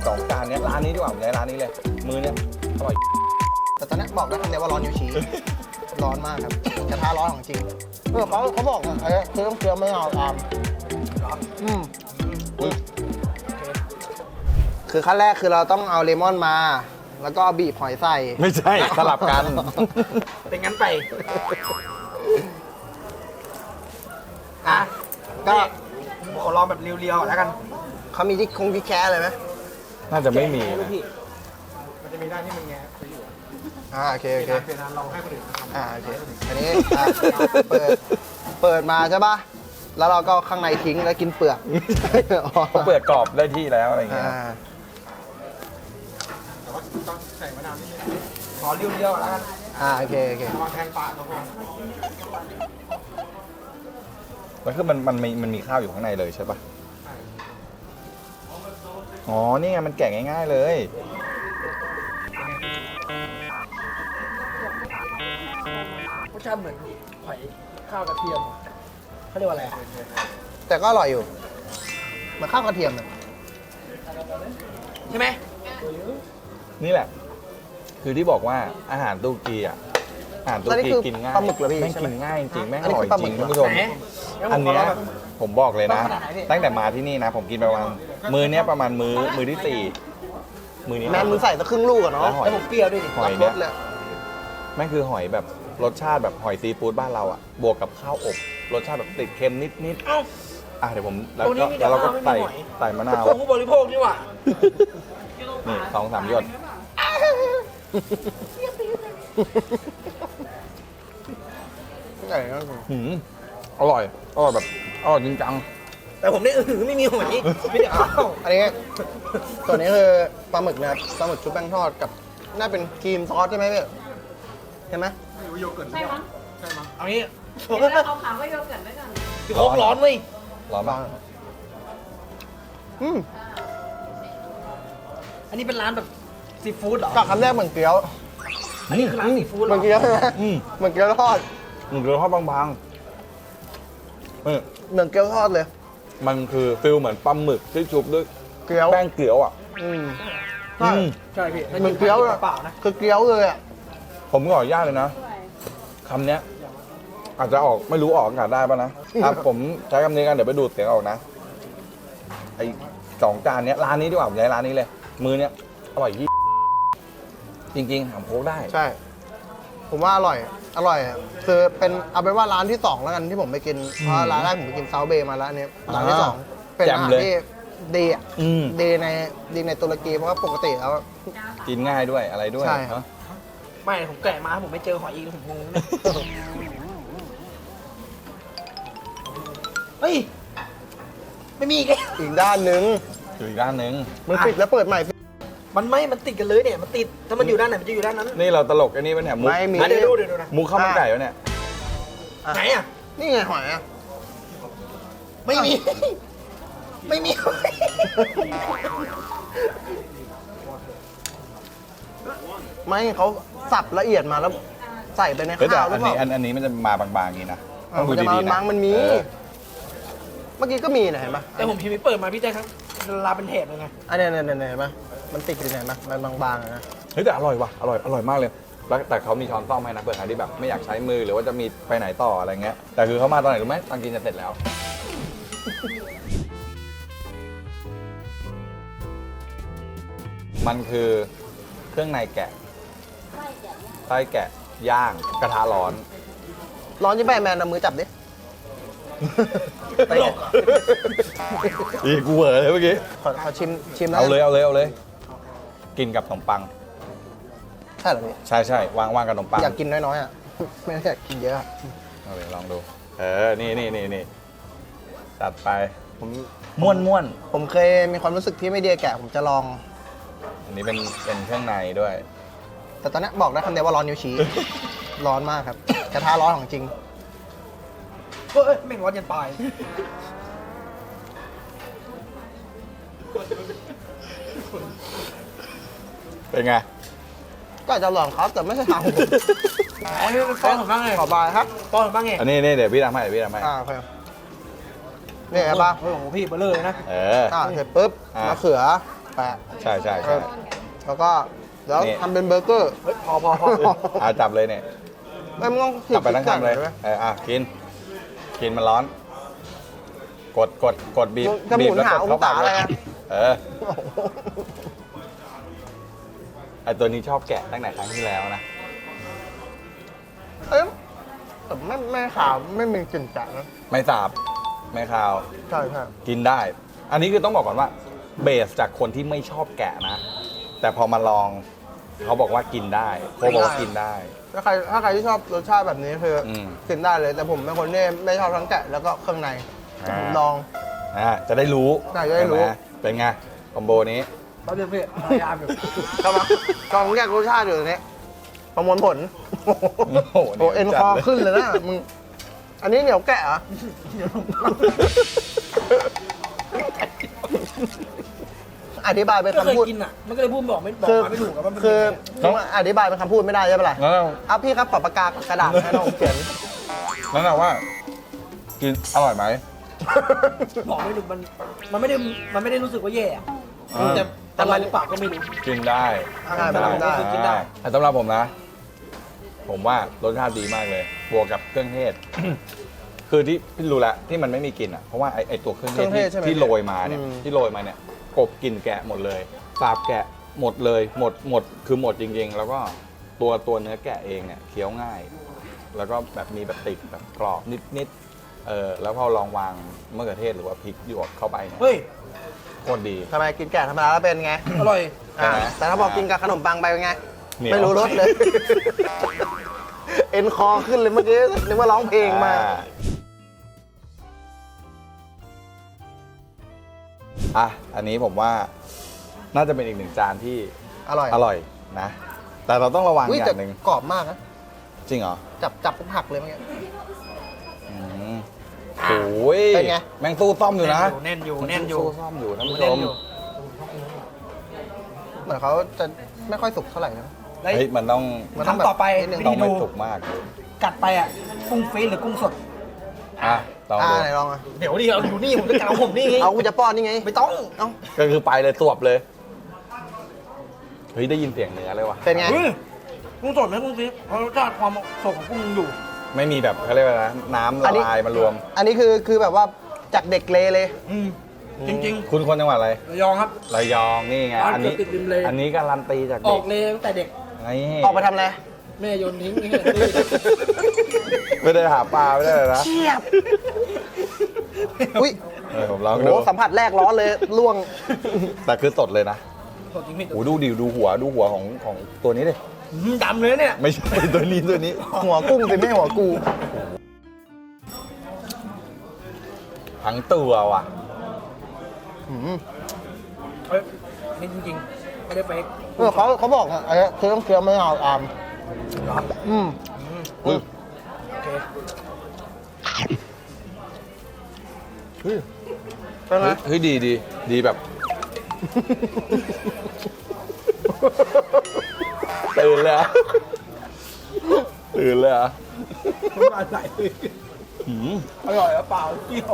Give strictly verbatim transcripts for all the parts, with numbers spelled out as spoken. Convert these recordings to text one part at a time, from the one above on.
สองจานเนี้ยร้านนี้ดีกว่าผมใช้ร้านนี้เลยมือเนี้ยอร่อยแต่ตอนนี้บอกได้คำเดียวว่าร้อนนิ้วชี้ ร้อนมากครับกระทะร้อนของจริงเออเขาเขาบอกไอ้เคี้ยวเคี้ยวไม่เอาตามอืมคือขั้นแรกคือเราต้องเอาเลมอนมา แล้วก็บีบหอยใส่ไม่ใช่สลับกันเป็นงั้นไปอ่ะก็ขอลองแบบเรียวๆแล้วกันเขามีที่คงที่แค่เลยไหมน่าจะไม่มีลูนะกพี่มันจะมีด้านที่มันแงะไปอยู่อ่าโอเคโอเคเป็นอันเราให้คนอื่นทำอ่าโอเคอันนี้อ่ะเปิดเปิดมาใช่ป่ะแล้วเราก็ข้างในทิ้งแล้วกินเปลือกเขาเปิดกรอบได้ที่แล้วอะไรเงี้ยอ่าแต่ว่าต้องใส่มะนาวนิดนึงขอเรียวๆแล้วกันอ่าโอเคโอเคระวังแทงปากก็พอแล้วคือมันมันมีมันมีข้าวอยู่ข้างในเลยใช่ปะอ๋อนี่ไงมันแกะง่ายๆเลยรสชาติเหมือนหอยข้าวกระเทียมเขาเรียกว่าอะไรแต่ก็อร่อยอยู่เหมันข้าวกระเทียมเลยใช่ไหมนี่แหละ คือที่บอกว่าอาหารตุรกีอ่ะอาหารตุรกีกินง่ายปลาหมึกเหรอพี่แม่งใช่ไหมกินง่ายจริงแม่งอัอนนี้ร่อยคือปลาหจมึริกงเหรอท่านผู้ชมไหนอันเนี้ยผมบอกเลยนะต้องขนาดไหนพี่ตั้งแต่มาที่นี่นะ ผมกินไปประมาณมือเนี้ยประมาณมือมือที่สี่มือนี้แม่มึงใส่สักครึ่งลูกอะแล้วเนาะหอยแล้วผมเปรี้ยวด้วยดิหอยรเนี้ยสเลยแม่งคือหอยแบบรสชาติแบบหอยซีฟู้ดบ้านเราอ่ะบวกกับข้าวอบรสชาติแบบติดเค็มนิดเอ้าๆอ่ะเดี๋ยวผมแล้วตรงนี้ก็มีแต่แล้วเราก็ข้าวไม่มีใส่หอยใส่มะนาวผมผู้บริโภคนี่หว่านี่สองสามหยดใช่ครับหืมอร่อยอร่อยแบบอร่อยจริงจังแต่ผมนี่อือไม่มีหอยไม่ได้ข้าวอันนี้ตัวนี้คือปลาหมึกนะครับปลาหมึกชุบแป้งทอดกับน่าเป็นครีมซอสใช่ไหมพี่เห็นไหมใช่มั้งเอางี้เดี๋ยวเราเอาขาวก็โยเกิร์ตไว้ก่อนพี่โค้กร้อนเว้ยร้อนปะอืมอันนี้เป็นร้านแบบซีฟู้ดเหรอกับคำแรกเหมือนเกี๊ยวอันนี้คือร้านซีฟู้ดเหเหรมืออนเกี๊ยวใช่ไหมอืมเหมือนเกี๊ยวทอดหนึ่งเกลือทอดบางๆเออเหมือนเกี๊ยวทอดเลยมันคือฟิลเหมือนปลาหมึกที่ชุบด้วยเกี๊ยวแป้งเกี๊ยวอ่ะอืมอืใช่มใช่พี่เหมือนเกี๊ยวเลยเปล่านะคือเกี๊ยวเลยอ่ะผมขออนุญาตเลยนะด้วยคำเนี้ยอาจจะออกไม่รู้ออกอากาศได้ป่ะนะอ่ะผมใช้คำนี้กันเดี๋ยวไปดูดเสียงออกนะไอสองจานเนี้ยร้านนี้ดีกว่าผมใช้ร้านนี้เลย มือเนี้ยอร่อยยี่จริงๆหามโค้กได้ใช่ ผมว่าอร่อย อร่อยอะคือเป็นเอาเป็นว่าร้านที่สองแล้วกันที่ผมไปกิน เพราะร้านแรกผมไปกินเซาเบย์มาแล้วอันนี้ร้านที่สองเป็นอาหารที่ดีอ่ะอืมดีในดีในตุรกีเพราะว่าปกติแล้วกินง่ายด้วยอะไรด้วยใช่เนอะไม่ผมแกะมาผมไม่เจอหอยอีกผมงงนะเฮ้ยไม่มีอีกแล้วอีกด้านหนึ่งอยู่อีกด้านหนึ่งมันปิดแล้วเปิดใหม่มันไม่มันติดกันเลยเนี่ยมันติดถ้ามันอยู่ด้านไหนมันจะอยู่ด้านนั้นนี่เราตลกไอ้นี่ปะเนี่ยมุกไม่มีอ่ะเดี๋ยวดูเดี๋ยวดูนะมุกข้าวมันไก่วะเนี่ยอ่ะไหนอ่ะนี่ไงหอยอ่ะไม่มี ไม่มีไม่เขาสับละเอียดมาแล้วใส่ไปในเฮ้ยแต่ข้าวหรือัอน เปนี้ล่าอันอันนี้มันจะมาบางๆอย่างนี้นะเออมันจะมาๆบางๆมันมีเออเมื่อกี้ก็มีนะเห็นปะแต่ผมพิมพ์ไม่เปิดมาพี่แจ๊คครับลาเป็นแถบเลยไงอันเนี้ยเนี่ยเนี่ยเห็นปะมันติดอยู่ไหนปะมันบางๆอะนะเฮ้ยแต่อร่อยว่ะอร่อยอร่อยมากเลยแล้วแต่เขามีช้อนซ่อมให้นะเผื่อใครที่แบบไม่อยากใช้มือหรือว่าจะมีไปไหนต่ออะไรเงี้ยแต่คือเขามาตอนไหนรู้ไหมตอนกินจะเสร็จแล้ว มันคือเครื่องในแกะไส้แกะย่างกระทะร้อนร้อนยิ่งไปแมนเอามือจับดิ ไปไงอีกูเหวอเลยเมื่อกี้ขอขอชิมชิมแล้วเอาเลยเอาเลยเอาเลย กินกับขนมปังใช่เหรอพี่ใช่ใช่วางวางกับขนมปังอยากกินน้อยๆอ่ะ ไม่ได้อยากกินเยอะอะเอาเลยลองดู เออ นี่นี่นี่นี่จัดไปผมม้วนม้วนผมเคยมีความรู้สึกที่ไม่ดีกับแกะผมจะลองอันนี้เป็นเป็นเครื่องในด้วยแต่ตอนนี้บอกได้คำเดียวว่าร้อนนิ้วชี้ ร้อนมากครับ กระทะร้อนของจริงเฮ้ยแม่งร้อนยันปลายเป็นไงก็อาจจะลองครับแต่ไม่ใช่ทางผมอ๋อนี่เป็นป้อนผมบ้างไงขอบายครับป้อนผมบ้างไงอันนี้นี่เดี๋ยวพี่ทำให้เดี๋ยวพี่ทำให้อ่าโอเคนี่ครับป่ะโอ้โหพี่เบลอเลยนะเอออ่าเสร็จปุ๊บอ่ะมะเขือแปะใช่ใช่เอใช่อแล้วก็เดี๋ยวนี่ทำเป็นเบอร์เกอร์เฮ้ยพอพอพออาจับเลยเนี่ยไม่ต้องจับไปทั้งคำเลยใช่ไหมเอออ่ะกิน กินมันร้อน กดกดกดบีบจะหบีมุบนแล้วหากดองเข้าศาปากอะเลไรยอะเออไอตัวนี้ชอบแกะตั้งแต่ครั้งที่แล้วนะเอ้ยแต่ไม่ไม่ขาวไม่มีกลิ่นจัดนะไม่สาบ ไม่คาวใช่ใช่กินได้ อันนี้คือต้องบอกก่อนว่า เบสจากคนที่ไม่ชอบแกะนะ แต่พอมาลองเขาบอกว่ากินได้โคบอกว่ากินได้ถ้าใครถ้าใครที่ชอบรสชาติแบบนี้คืออมกินได้เลย แต่ผมเป็นคนที่ไม่ชอบทั้งแกะแล้วก็เครื่องในอ่าผมลองอ่าจะได้รู้ใช่จะได้รู้ใช่หมเป็นไงคอมโบนี้ตอนเดียวพี่พยายามอยู่เข้ามาลองแยกรสชาติอยู่ตรงนี้ประมวลผลโอ้โหโอ้เอ็นคอขึ้นเลยนะมึงอันนี้เหนียวแกะเหรออธิบายเป็นไม่เคยคำพูดกินอ่ะ มันก็เลยพูดบอกไม่บอกคือมาไม่ถูกอะว่ามันคือเป็นยังไงผมอธิบายเป็นคำพูดไม่ได้ใช่ปะล่ะแล้วอ่ะพี่ครับขอปากกากระดาษให้น้องเขียนนั่นแหละว่า กินอร่อยไหมบอกไม่ถูกมันมันไม่ได้มันไม่ได้รู้สึกว่าแย่อะอ่าแต่อะไรหรือเปล่าก็ไม่รู้กินได้ได้ได้ได้คือกินได้แต่สำหรับผมนะ ผมว่ารสชาติดีมากเลย บวกกับเครื่องเทศ คือที่พี่รู้แล้วที่มันไม่มีกลิ่นอ่ะ เพราะว่าไอไอตัวเครื่องเทศเครื่องเทที่ศใช่ไหมที่โรยมาเนี่ยอืมที่โรยมาเนี่ยกบกลิ่นแกะหมดเลยสาบแกะหมดเลย หมดหมดคือหมดจริง ๆ แล้วก็ตัวตัวเนื้อแกะเองเนี่ยเคี้ยวง่าย แล้วก็แบบมีแบบติดแบบกรอบนิดๆเออแล้วพอลองวางมะเขือเทศหรือว่าพริกหยวกเข้าไปเนี่ยเฮ้ยโคตรดีทำไมกินแกะธรรมดาแล้วเป็นไงอร่อยอ่าใช่ไหมแต่ถ้าบอกกินกับขนมปังไปเป็นไงเหนียวไม่รู้รสเลย เอ็นคอขึ้นเลยเมื่อกี้นึกว่าร้องเพลงมาอ่อ่ะ อันนี้ผมว่าน่าจะเป็นอีกหนึ่งจานที่อร่อยอร่อยนะ แต่เราต้องระวังอุ้ยอแต่ย่างหนึ่งกรอบมากนะจริงเหรอจับจับปุ๊บหักเลยเมื่อกี้อืมโอ้ยเป็นไงแมงตู้ซ่อมอยู่นะแน่นอยู่แน่นอยู่ตู้ซ่อมอยู่ท่านผู้ชแน่นมอยู่เหมือนเขาจะไม่ค่อยสุกเท่าไหร่นะแล้วเฮ้ยมันต้องมันต้องแบบคำต่อไปนิดนึงต้องไม่ดูสุกมากกัดไปอ่ะกุ้งฟรีซหรือกุ้งสดอ่ะลองอ่าดูไหนลองอ่ะเดี๋ยวดิเราอยู่นี่ผมจะกัดของผมนี่ไงเอากูจะป้อนนี่ไงไม่ต้องเอ้าก็คือไปเลยสวบเลย เฮ้ย ได้ยินเสียงเนื้อเลยว่ะเป็นไงเฮ้ยกุ้งสดไหมกุ้งฟรีซเพราะรสชาติความสดของกุ้งยังอยู่ไม่มีแบบเขาเรียกว่าอะไรนะน้ำอัละนนี้ลายมารวมอันนี้คือคือแบบว่าจากเด็กเลเลยอืมจริงคุณคนจังหวัดอะไรๆระยองครับระยองนี่ไงร้านอันนี้เกือบติดริมเลอันนี้การันตีจากอเด็อก กเลยตั้งแต่เด็กนี่ออกไปทำอะไรแม่โยนทิ้งนี่ไม่ได้หาปลาไม่ได้เลยนะเชียบ อุ้ยเออผมลองโหดูสัมผัสแรกร้อนเลยล่วงแต่คือสดเลยนะสดจริงพี่โอ้ดูดิดูหัวดูหัวของของตัวนี้ดิอืมดำเลยเนี่ยไม่ใช่ ตัวนี้ตัวนี้หัวกุ้งสิไม่หัวกูทั้งตัวว่ะอืมเฮ้ยนี่จริงๆไม่ได้เฟกเออเขาเขาบอกอ่ะไอ้เคี้ยวเคี้ยวไม่เอาอามเหรออืมอุ๊ยโอเคเป็นไงเฮ้ยดีดีดีแบบ ตื่นเลยเหรอะตื่นเลยเหรอะน้ำลายไหลเลยหืมอร่อยหรือเปล่าเปรี้ยว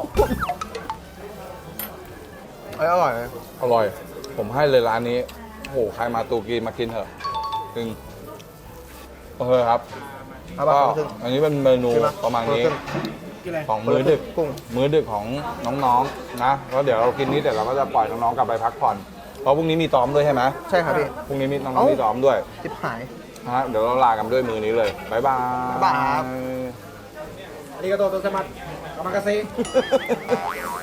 ไอ้อร่อยเลยอร่อย ผมให้เลยร้านนี้โอ้โหใครมาตูกีมากินเถอะจริงโอเคครับเอาก็ปะขึ้นอันนี้เป็นเมนูใช่ไหมประมาณนี้ขึ้นกินอะไรของมื้อดึกกุ้งมื้อดึกของน้องๆนะแล้วเดี๋ยวเรากินนี้เสร็จเราก็จะปล่อยน้องๆกลับไปพักผ่อนเพราะพรุ่งนี้มีซ้อมด้วยใช่ไหมใช่ครับพี่พรุ่งนี้มีน้องเอ้าๆมีซ้อมด้วยจิบหายนะฮะเดี๋ยวเราลากันด้วยมือนี้เลยบ๊ายบายบ๊ายบายครับありがとうございます。お任せ。